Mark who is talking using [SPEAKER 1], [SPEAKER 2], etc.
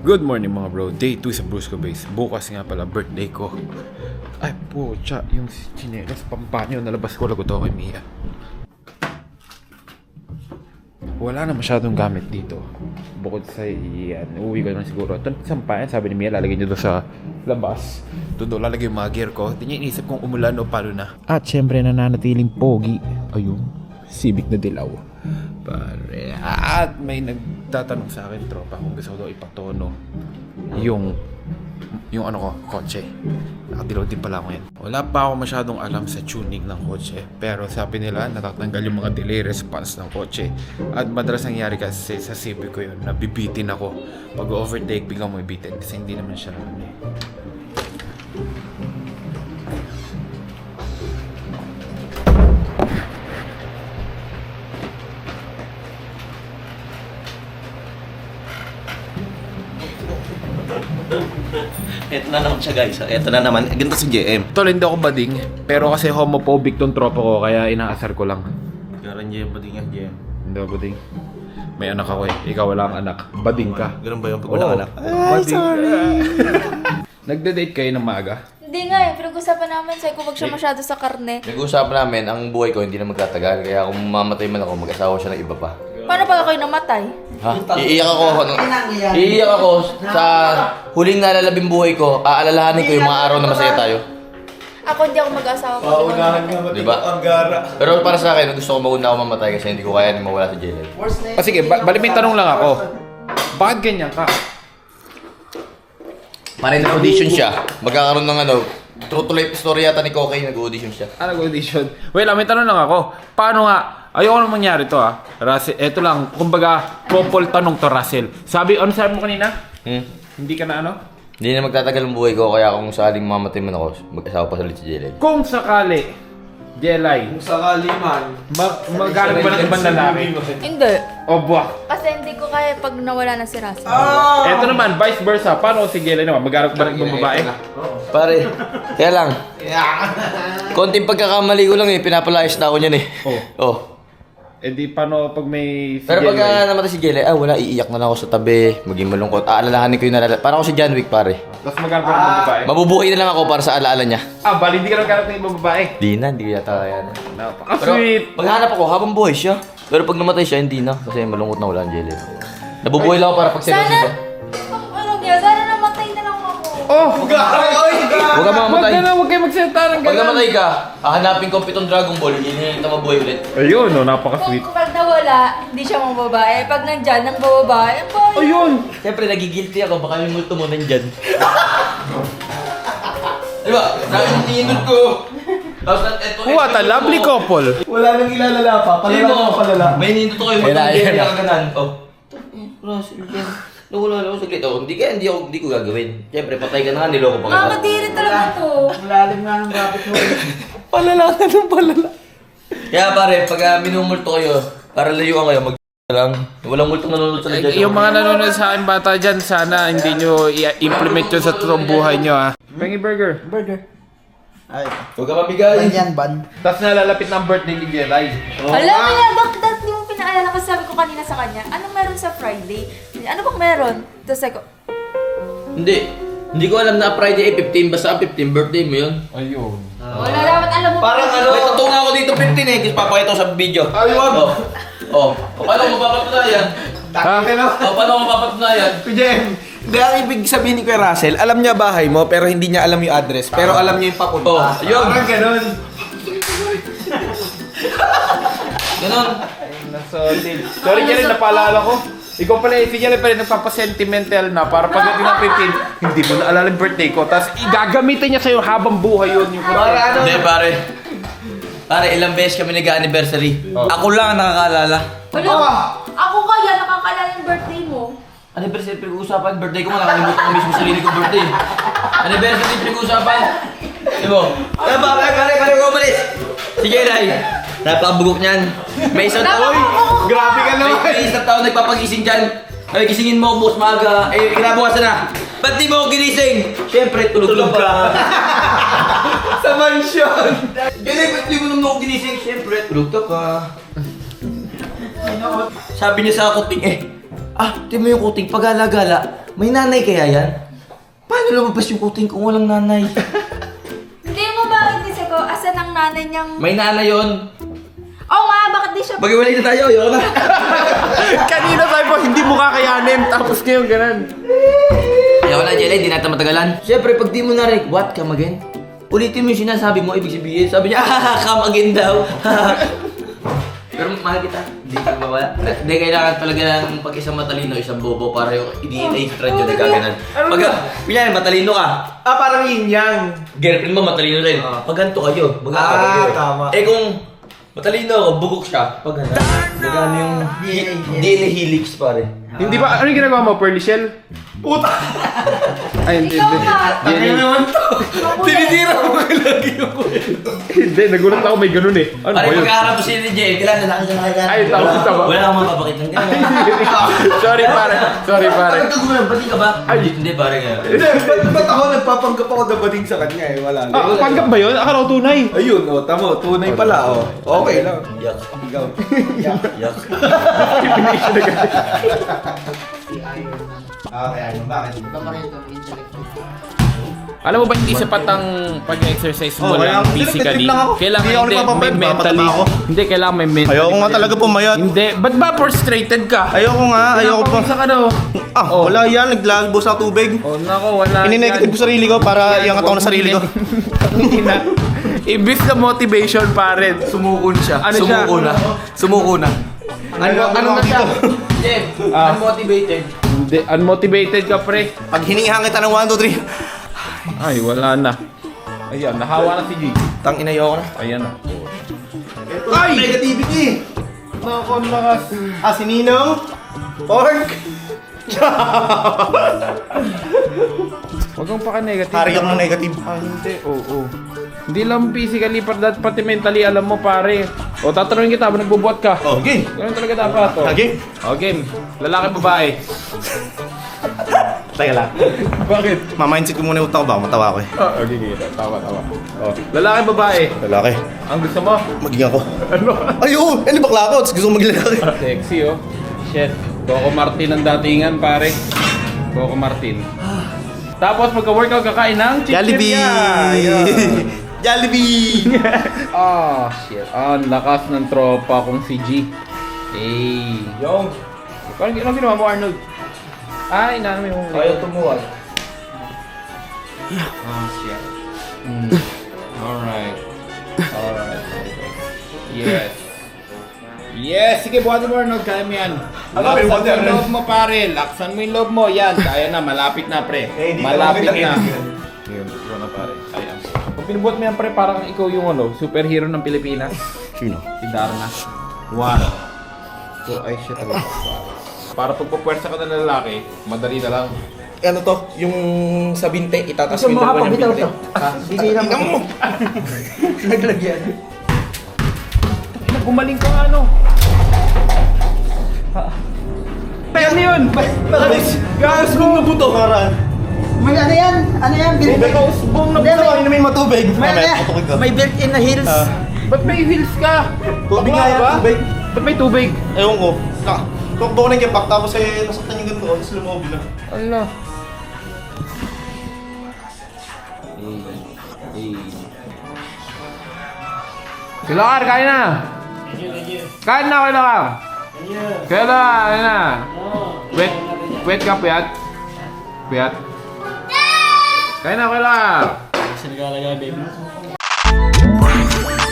[SPEAKER 1] Good morning mga bro, day 2 sa Brusco Base. Bukas nga pala birthday ko. Ay po, yung chinelas pampanyo nalabas ko lagot ako kay Mia. Wala na masyadong gamit dito. Bukod sa iyan, uuwi ko naman siguro. Ito sampayan, sabi ni Mia, lalagay niyo doon sa labas. Doon lalagay yung mga gear ko. Hindi niya inisip kung umulan o paano na. At syempre nananatiling pogi. Ayun, Civic na dilaw. Pare. At may nagtatanong sa akin, tropa, kung gusto ko daw ipatono yung ano ko, kotse. Nakadilaw din pala ako yan. Wala pa ako masyadong alam sa tuning ng kotse. Pero sabi nila, natatanggal yung mga delay response ng kotse. At madalas nangyari kasi sa Civic ko yun, nabibitin ako. Pag overtake, biglang mo ibitin. Kasi hindi naman siya
[SPEAKER 2] Eto na naman siya guys, eto na naman, ganito si JM.
[SPEAKER 1] Tol, hindi ako bading. Pero kasi homophobic tong tropa ko, kaya inaasar ko lang.
[SPEAKER 2] Garan JM, bading yan JM.
[SPEAKER 1] Hindi ako bading. May anak ako eh. Ikaw wala kang anak. Bading ka.
[SPEAKER 2] Ganun ba yung pag walang anak?
[SPEAKER 1] Ay, sorry. Nagde-date kayo ng maaga?
[SPEAKER 3] Hindi nga eh, pinag-usapan namin sa'yo kung wag siya masyado sa karne.
[SPEAKER 4] Nag-uusapan namin, ang buhay ko hindi na magtatagal. Kaya kung mamatay man ako, mag-asawa siya ng iba pa.
[SPEAKER 3] Paano pag ako'y namatay?
[SPEAKER 4] Ha? Iiyak ako sa huling nalalabing buhay ko. Aalalahanin ko yung mga araw na masaya tayo.
[SPEAKER 3] Ako hindi ako mag-asawa pag
[SPEAKER 2] Paunahan nga
[SPEAKER 3] namatay.
[SPEAKER 4] Diba?
[SPEAKER 2] ang gara.
[SPEAKER 4] Pero para sa akin, gusto ko mauna ako mamatay kasi hindi ko kaya mawala sa jail.
[SPEAKER 1] Sige, bali may tanong lang ako. Bakit ganyan ka?
[SPEAKER 4] Pare nag-audition siya. Magkakaroon ng true to life story yata ni Kokay, nag-audition siya.
[SPEAKER 1] Nag-audition. Wait lang, may tanong lang ako. Paano nga? Ayoko nang mangyari to ha. Russell, eto lang. Kumbaga, couple tanong to Russell. Ano sabi mo kanina? Hindi ka na ano?
[SPEAKER 4] Hindi na magtatagal ang buhay ko, kaya kung sakaling mamatay man ako, mag-asawa pa sa ulit sa jail.
[SPEAKER 1] Kung sakali, Jelay,
[SPEAKER 2] Kung sakali man,
[SPEAKER 1] magagalit ba ng ibang lalaki?
[SPEAKER 3] Hindi.
[SPEAKER 1] O buwak.
[SPEAKER 3] Kasi hindi ko kaya pag nawala na si Russell.
[SPEAKER 1] Eto naman, vice versa. Paano si Jelay naman? Magagalit ba ng ibang babae?
[SPEAKER 4] Pare, kaya lang. Konting pagkakamali ko lang pinapalayas na ako niyan Oh.
[SPEAKER 1] Eh di paano pag may si
[SPEAKER 4] Pero pag
[SPEAKER 1] Jelay?
[SPEAKER 4] namatay si Jelay, wala, iiyak na lang ako sa tabi, maging malungkot. Aalalahanin ko yung nalala. Parang ako si John Wick, pare.
[SPEAKER 1] Tapos magagalit ba ng ibang babae?
[SPEAKER 4] Mabubuhay na lang ako para sa alaala niya.
[SPEAKER 1] Bali hindi ka nagagalit ng ibang babae.
[SPEAKER 4] Hindi ko yata kaya na. Pero
[SPEAKER 1] Napaka-sweet.
[SPEAKER 4] maghanap ako habang buhay siya. Pero pag namatay siya, hindi na. Kasi malungkot na wala ang Jelay. Nabubuhay lang ako para pag
[SPEAKER 3] Sana, ano niya, sana namatay na lang ako.
[SPEAKER 1] Oh!
[SPEAKER 4] Huwag ka mamamatay.
[SPEAKER 1] Huwag kayo magsalita ng
[SPEAKER 4] Pag
[SPEAKER 1] ganun.
[SPEAKER 4] namatay ka, hahanapin ko pitong Dragon Ball, hindi na mabuhay ulit.
[SPEAKER 1] Ayun, napaka-sweet.
[SPEAKER 3] Kung pag nawala, hindi siya mga babae. Pag nandyan, ng babae, ang babae.
[SPEAKER 1] Ayun!
[SPEAKER 4] Siyempre, nagigilty ako. Baka yung multo mo nandyan. Diba? Nakininod ko. Tapos, eto,
[SPEAKER 1] What a lovely couple.
[SPEAKER 2] wala nang ilalala pa, palala mo palala.
[SPEAKER 4] May ninod ko yung Ayan na, multo ayan hindi na. ka ganan. Russell, yan. Nawala ako saglit. Hindi ko gagawin. Siyempre, patay ka na nga, niloko pa kita.
[SPEAKER 3] Makakadiri talaga to.
[SPEAKER 2] Malalim nga ng rabbit hole.
[SPEAKER 4] Palala ka ng palala. Kaya pare, pag minumulto kayo, para layuan kayo, lang. Walang multong nanonood sa legend.
[SPEAKER 1] Yung mga nanonood sa akin bata dyan, sana hindi nyo i-implement yun sa totoong buhay nyo ha. Pengi Burger.
[SPEAKER 2] Burger. Ay,
[SPEAKER 4] Huwag ka mabigay.
[SPEAKER 2] yan ban.
[SPEAKER 1] Tapos nalalapit ng birthday ni Jelay.
[SPEAKER 3] Alam mo yan, bakit di mo pinaalala kasi sabi ko kanina sa kanya, anong meron sa Friday? Ano bang meron? Tapos ako,
[SPEAKER 4] Hindi ko alam na Friday 15, basta 15 birthday mo yun.
[SPEAKER 1] Ayun.
[SPEAKER 3] wala dapat alam mo.
[SPEAKER 2] Parang ano?
[SPEAKER 4] May tattoo nga ako dito 15 kasi papakita ko sa video.
[SPEAKER 2] Ay, wag.
[SPEAKER 4] Paano ko mapapatunayan?
[SPEAKER 2] Taka na.
[SPEAKER 4] Paano ko mapapatunayan?
[SPEAKER 2] Jem, hindi ang ibig sabihin ni Kuya Russell, alam niya bahay mo pero hindi niya alam yung address. Pero alam niya yung papunta.
[SPEAKER 4] Yun.
[SPEAKER 2] Parang ganun.
[SPEAKER 4] Ganon.
[SPEAKER 1] Nasolid. Sorry Jelay, napaalala ko. Ikaw pala, si Jelay pala nagpapasentimental na para pagdating ng 15, hindi mo naalala yung birthday ko. Tapos igagamitin niya sa'yo habang buhay yun. Yung
[SPEAKER 2] Para ano?
[SPEAKER 4] Hindi pare. Pare, ilang beses kami nag-anniversary. Ako lang ang nakakaalala.
[SPEAKER 3] Wala, ako kaya nakakalala yung birthday mo.
[SPEAKER 4] Anniversary pinag-uusapan, birthday ko, nakalimutan ko mismo sarili kong birthday. Anniversary pinag-uusapan. Di mo? Pare, ko umalis. Sige, Ray. Napakabugok niyan. May isang taon.
[SPEAKER 2] Grabe ka naman.
[SPEAKER 4] May isang taon nagpapagising dyan. Ay, gisingin mo, bukas maaga. Eh, kinabukasan na. Ba't di mo ako ginising? Siyempre, tulog ka.
[SPEAKER 2] Sa mansion.
[SPEAKER 4] Ganun, ba't di mo naman ako ginising? Siyempre, tulog ka. Sabi niya sa kuting Tingnan mo yung kuting, pagala-gala. May nanay kaya yan? Paano lumabas yung kuting kung walang nanay?
[SPEAKER 3] Hindi mo bakit kasi ko, asan ang nanay niyang...
[SPEAKER 4] May nanay yun.
[SPEAKER 3] Oo nga, bakit di siya...
[SPEAKER 4] Mag-iwalay na tayo, yun na.
[SPEAKER 2] Kanina sabi mo, hindi mo kakayanin. Tapos ngayon ganun.
[SPEAKER 4] Ayaw na, Jelay, hindi natin matagalan. Siyempre, pag di mo na-rec, what, come again? Ulitin mo yung sinasabi mo, ibig sabihin. Sabi niya, come again daw. Pero mahal kita, hindi ka mawala. Hindi, kailangan talaga ng pag isang matalino, isang bobo para yung i-extra nyo na gaganan. Pag, pinyan, matalino ka.
[SPEAKER 2] Parang yin-yang.
[SPEAKER 4] Girlfriend mo, matalino rin. Pag ganito kayo, maganda kayo.
[SPEAKER 2] Tama.
[SPEAKER 4] Eh kung matalino ako, bugok siya. Pag gano'n, gagano yung DNA helix pare.
[SPEAKER 1] Hindi ba, ano yung ginagawa mo? Pearly shell?
[SPEAKER 2] Puta!
[SPEAKER 1] Ay, hindi.
[SPEAKER 3] Ikaw nga.
[SPEAKER 1] Hindi,
[SPEAKER 2] Tinitira mo lagi yung
[SPEAKER 1] hindi, nagulat ako may ganun eh. Ano ba
[SPEAKER 4] Pare,
[SPEAKER 1] yun?
[SPEAKER 4] pagkaharap mo si Jay, kailangan lalaki siya kaya.
[SPEAKER 1] Ay, tama.
[SPEAKER 4] Wala akong mapapakita ng gano'n.
[SPEAKER 1] Sorry pare.
[SPEAKER 4] Bakit ka gumawa? Ba't di ka ba?
[SPEAKER 1] Ay.
[SPEAKER 4] Hindi, pare nga.
[SPEAKER 2] Hindi, ba't ako nagpapanggap ako na bading sa kanya eh? Wala.
[SPEAKER 1] Ah, panggap ba yun? Akala ko tunay.
[SPEAKER 2] Ayun, tamo. Tunay pala, Okay lang.
[SPEAKER 4] Yak.
[SPEAKER 2] Ikaw.
[SPEAKER 4] Yak.
[SPEAKER 2] Okay, ayun. Bakit?
[SPEAKER 1] Alam mo ba hindi sapat ang pag-exercise mo
[SPEAKER 5] kaya
[SPEAKER 1] lang
[SPEAKER 5] hindi,
[SPEAKER 1] physically?
[SPEAKER 5] nagtitip lang ako.
[SPEAKER 1] Kailangan
[SPEAKER 5] Hindi ako
[SPEAKER 1] hindi, may
[SPEAKER 5] nagpapapayat,
[SPEAKER 1] mentally.
[SPEAKER 5] papataba ako.
[SPEAKER 1] Hindi, kailangan may mentally.
[SPEAKER 5] Ayoko nga talaga pumayat.
[SPEAKER 1] Hindi. Ba't ba frustrated ka?
[SPEAKER 5] Ayoko nga, ayoko pa.
[SPEAKER 1] Pinapawisa ka daw.
[SPEAKER 5] Wala yan, naglalbo sa tubig.
[SPEAKER 1] Oh, nako, wala.
[SPEAKER 5] Ininegative ko sarili ko para iangat ako ng sarili ko.
[SPEAKER 1] Ibis na motivation pa rin.
[SPEAKER 2] Sumukon siya.
[SPEAKER 1] Ano siya?
[SPEAKER 2] Sumuko na.
[SPEAKER 1] Ano na siya?
[SPEAKER 4] Jeff, unmotivated.
[SPEAKER 1] Hindi, unmotivated ka pre.
[SPEAKER 5] Pag hinihangit ka ng 1, 2, 3.
[SPEAKER 1] Ay, wala na. Ayan, nahawa na si G.
[SPEAKER 5] Tang ina, ayoko na.
[SPEAKER 1] Ayan na.
[SPEAKER 5] Ay! Negativity!
[SPEAKER 1] Nako, lakas.
[SPEAKER 5] Si Ninong? Pork!
[SPEAKER 1] Huwag kang paka-negative.
[SPEAKER 5] Hari ako ng negative.
[SPEAKER 1] Hindi, oo. Hindi lang physically, pati mentally, alam mo pare. O, tatanungin kita, ba nagbubuhat ka?
[SPEAKER 5] Okay.
[SPEAKER 1] Ganun talaga dapat. O.
[SPEAKER 5] Okay.
[SPEAKER 1] O, game. Lalaki, babae.
[SPEAKER 5] Teka lang.
[SPEAKER 1] Bakit?
[SPEAKER 5] Ma-mindset ko muna yung utak ko ba? Matawa ko eh.
[SPEAKER 1] Okay, tawa. O, lalaki, babae.
[SPEAKER 5] Lalaki.
[SPEAKER 1] Ang gusto mo?
[SPEAKER 5] Maging ako.
[SPEAKER 1] Ano?
[SPEAKER 5] Ay, oo! Ano bakla ako? Gusto ko maging lalaki.
[SPEAKER 1] Sexy, oh. Shit. Coco Martin ang datingan, pare. Coco Martin. Tapos, pagka-workout, kakain ng
[SPEAKER 5] Jollibee!
[SPEAKER 1] Ayan.
[SPEAKER 5] Jollibee!
[SPEAKER 1] Ah, shit. Ang lakas ng tropa kong si G. Hey.
[SPEAKER 2] Yung.
[SPEAKER 1] Parang anong ginawa mo, Arnold? Ay, inaano mo yung...
[SPEAKER 2] Ayaw tumuwag.
[SPEAKER 1] Ah, shit. Alright. Yes. Yes! Sige, buhatin mo, Arnold. Kaya mo yan.
[SPEAKER 2] Alam, may
[SPEAKER 1] Laksan mo
[SPEAKER 2] water,
[SPEAKER 1] yung loob mo, pare. Laksan mo yung loob mo. Yan. Kaya na. Malapit na, pre.
[SPEAKER 2] Hindi ka
[SPEAKER 1] Malapit
[SPEAKER 2] lang
[SPEAKER 1] na.
[SPEAKER 2] kailangan.
[SPEAKER 1] Yun. Ikaw na, pare. Kaya. Pag pinubuhat mo yan, pre, parang ikaw yung superhero ng Pilipinas.
[SPEAKER 5] Sino?
[SPEAKER 1] Si Darna. One. So, ay, shit talaga. Para pag pupwersa ka ng lalaki, madali na lang.
[SPEAKER 5] Ano to? Yung sa binte, itatas mo yung dalawa niyang binte. Tingnan mo!
[SPEAKER 2] Naglagyan.
[SPEAKER 1] Gumaling ka ano? Ano yun?
[SPEAKER 5] Gawas mong nabuto! Karan!
[SPEAKER 6] May ano yan? Ano yan? Built
[SPEAKER 5] May kausbong nabuto! Inumin matubig!
[SPEAKER 6] may built-in na heels.
[SPEAKER 1] Ba't may heels ka?
[SPEAKER 5] Tubig
[SPEAKER 1] Bakla
[SPEAKER 5] nga yan,
[SPEAKER 1] ba?
[SPEAKER 5] tubig.
[SPEAKER 1] Ba't may tubig?
[SPEAKER 5] Ewan ko. Tukbo ko na yung kipak, tapos nasaktan yung ganito, tapos lumobi na.
[SPEAKER 1] Ala. Kilakar, kain na! Kain na, kilakar! Kain na! Wait ka, puyat. Puyat. Kain na, kilakar!
[SPEAKER 6] Sinigalagay, baby.